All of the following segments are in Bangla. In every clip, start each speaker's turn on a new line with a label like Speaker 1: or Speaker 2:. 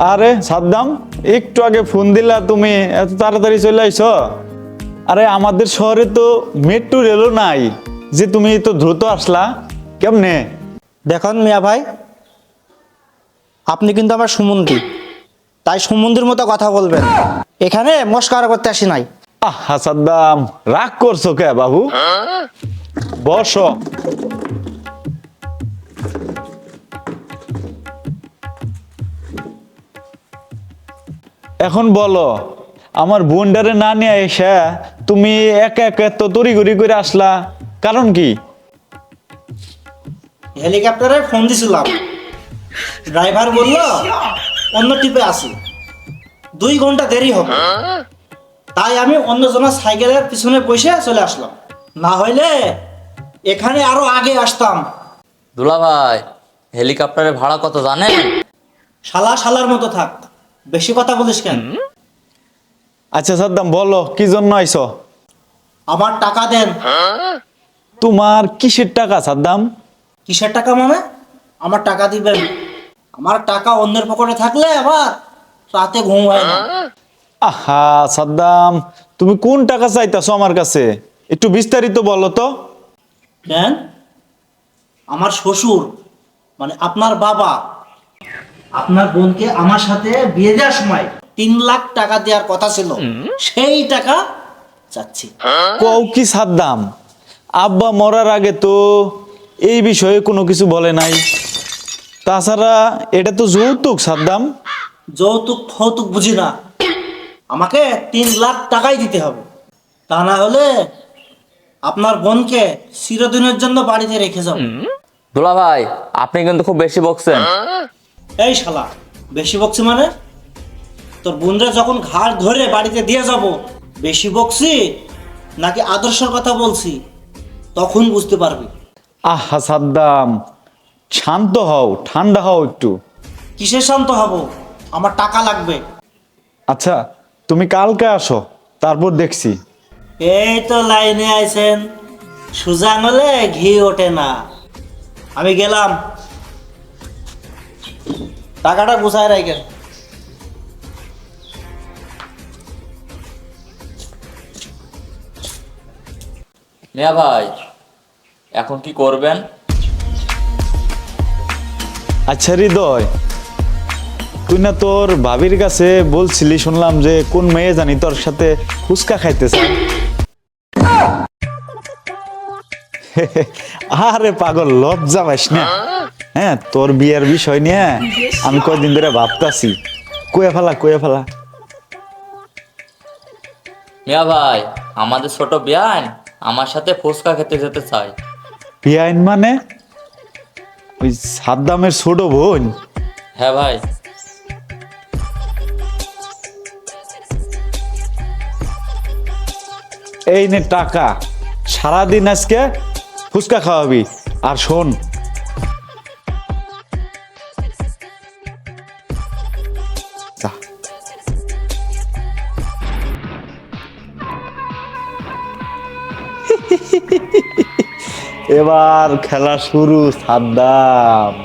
Speaker 1: আরে সাদ্দাম, একটু আগে ফোন দিলা, তুমি এত তাড়াতাড়ি চলে আইছো? আরে আমাদের শহরে তো মেট্রো রেলও নাই যে তুমি তো দ্রুত আসলা, কেমনে?
Speaker 2: দেখুন মিয়া ভাই, আপনি কিন্তু আমার সুমন্দি, তাই সুমন্দির মতো কথা বলবেন। এখানে মস্কারা করতে আসি নাই।
Speaker 1: আহা সাদ্দাম, রাগ করছো কে বাবু? বসো। এখন বলো, আমার বোনডারে না নিয়ে এসে তুমি একা একা তো তড়িঘড়ি করে আসলা, কারণ কি?
Speaker 2: হেলিকপ্টারে ফোন দিছিলাম, ড্রাইভার বলল অন্য টিপে আসি, 2 ঘন্টা দেরি হবে। তাই আমি অন্যজনের সাইকেলের পিছনে বসে চলে আসলাম, না হইলে এখানে আরো আগে আসতাম।
Speaker 3: দুলা ভাই, হেলিকপ্টারের ভাড়া কত জানেন?
Speaker 2: শালার মতো থাক, বেশি কথা বলিস কেন?
Speaker 1: আচ্ছা সাদ্দাম, বলো কি জন্য আইছো?
Speaker 2: আমার টাকা দেন।
Speaker 1: তোমার কিসের টাকা সাদ্দাম?
Speaker 2: কিসের টাকা মানে? আমার টাকা দিবেন। আমার টাকা অন্যের পকেটে থাকলে আবার রাতে ঘুম হয় না।
Speaker 1: আহা সাদ্দাম, তুমি কোন টাকা চাইতেছো আমার কাছে? একটু বিস্তারিত বলো তো।
Speaker 2: কেন? আমার শ্বশুর মানে আপনার বাবা আপনার বোনকে আমার সাথে বিয়ে দেওয়ার সময় 3 লাখ টাকা দেওয়ার কথা ছিল, সেই টাকা চাচ্ছি।
Speaker 1: কও কি সাদ্দাম? আব্বা মরার আগে তো এই বিষয়ে কোনো কিছু বলে নাই। তাছাড়া এটা তো যৌতুক সাদ্দাম।
Speaker 2: যৌতুক ফৌতুক বুঝি না, আমাকে 3 লাখ টাকাই দিতে হবে, তা না হলে আপনার বোনকে চিরদিনের জন্য বাড়িতে রেখে যাব।
Speaker 3: দুলা ভাই, আপনি কিন্তু খুব বেশি বকছেন।
Speaker 2: এই শালা, বেশি বকছি মানে? তোর বোনরা যখন ঘাড় ধরে বাড়িতে দিয়ে যাব, বেশি বকছি নাকি আদর্শের কথা বলছি তখন বুঝতে পারবি।
Speaker 1: আহা সাদ্দাম, শান্ত হও, ঠান্ডা হও একটু।
Speaker 2: কিসের শান্ত হব? আমার টাকা লাগবে।
Speaker 1: আচ্ছা, তুমি কালকে আসো, তারপর দেখছি।
Speaker 2: এই তো লাইনে আইছেন, সুজা আঙুলে ঘি ওঠে না। আমি গেলাম, টাকাটা গুছায় রাখেন।
Speaker 3: মিয়া ভাই, এখন কি করবেন?
Speaker 1: আচ্ছা হৃদয়, তুই না তোর ভাবির কাছে বলছিলি, শুনলাম যে কোন মেয়ে জানি তোর সাথে ফুচকা খাইতে চায়। আরে পাগল, লজ্জা পাইস না। হ্যাঁ, তোর বিয়ের বিষয় নিয়ে আমি কয়দিন ধরে ভাবতাছি। কয়ে ফেলা।
Speaker 3: মিয়া ভাই, আমাদের ছোট বিয়ান আমার সাথে ফুচকা খেতে যেতে চাই।
Speaker 1: বিয়াইন মানে? ওই সাদ্দামের ছোট বোন?
Speaker 3: হ্যাঁ ভাই।
Speaker 1: এই নে টাকা, সারাদিন আজকে ফুচকা খাওয়াবি। আর শোন, যা। এবার খেলা শুরু সাদ্দাম।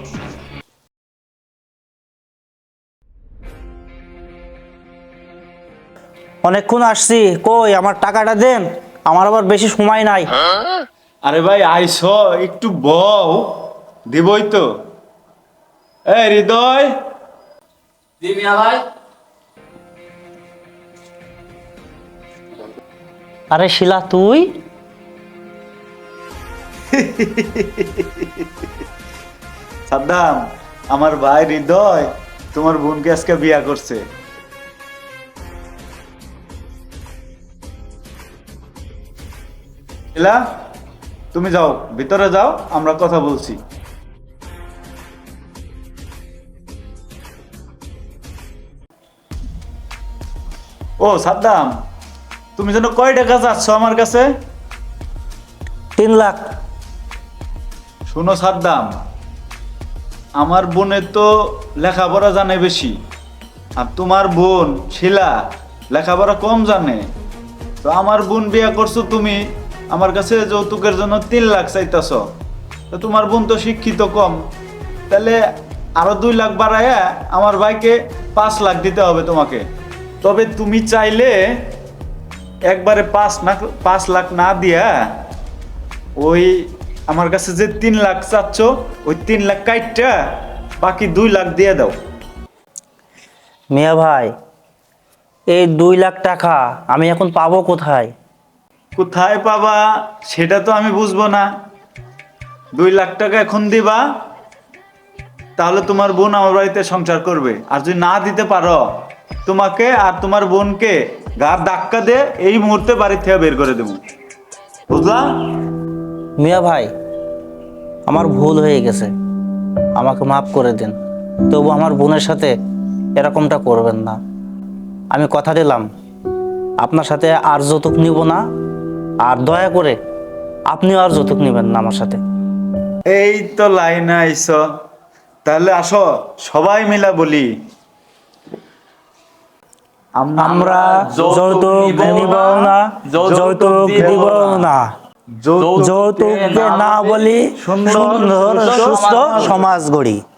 Speaker 2: অনেকক্ষণ আসছি, কই আমার টাকাটা দেন, আমার আবার বেশি সময় নাই।
Speaker 1: আরে ভাই আইসো, একটু বউ, দিবই তো। এই হৃদয়,
Speaker 3: জি মিয়া ভাই।
Speaker 2: আরে শিলা, তুই?
Speaker 1: সাদ্দাম, আমার ভাই হৃদয় তোমার বোনকে আজকে বিয়া করছে। শিলা, তুমি যাও, ভিতরে যাও, আমরা কথা বলছি। ও সাদ্দাম, তুমি যেন কয় টাকা চাচ্ছ আমার কাছে?
Speaker 2: 3 লাখ।
Speaker 1: শোনো সাদ্দাম, আমার বোনের তো লেখাপড়া জানে বেশি, আর তোমার বোন শিলা লেখাপড়া কম জানে। তো আমার বোন বিয়া করছো তুমি, আমার কাছে যৌতুকের জন্য 3 লাখ চাইতেছ। তো তোমার বোন তো শিক্ষিত কম, তাহলে আরো 2 লাখ বাড়ায়া আমার ভাইকে 5 লাখ দিতে হবে তোমাকে। তবে তুমি চাইলে একবারে 5 লাখ না দিয়া ওই আমার কাছে যে 3 লাখ চাচ্ছ ওই 3 লাখ কাইটটা বাকি 2 লাখ দিয়ে দাও।
Speaker 2: মিয়া ভাই, এই 2 লাখ টাকা আমি এখন পাবো কোথায়?
Speaker 1: কোথায় পাবা সেটা তো আমি বুঝবো না। 2 লাখ টাকা এখন দিবা, তাহলে তোমার বোন আমার বাড়িতে সংসার করবে। আর যদি না দিতে পারো, তোমাকে আর তোমার বোনকে গার ধাক্কা দিয়ে এই মুহূর্তে বাড়ি থেকে বের করে দেবো, বুঝলা?
Speaker 2: মিয়া ভাই, আমার ভুল হয়ে গেছে, আমাকে মাফ করে দিন। তবু আমার বোনের সাথে এরকমটা করবেন না। আমি কথা দিলাম আপনার সাথে আর যৌতুক নিব না, আর দয়া করে আপনিও আর যৌতুক নেবেন না আমার সাথে।
Speaker 1: এই তো লাইনে আইছ, তাহলে আসো সবাই মিলা বলি।
Speaker 2: আমরা যৌতুক নিব না, যৌতুক দিব না, যৌতুক না বলি সুন্দর সুস্থ সমাজ গড়ি।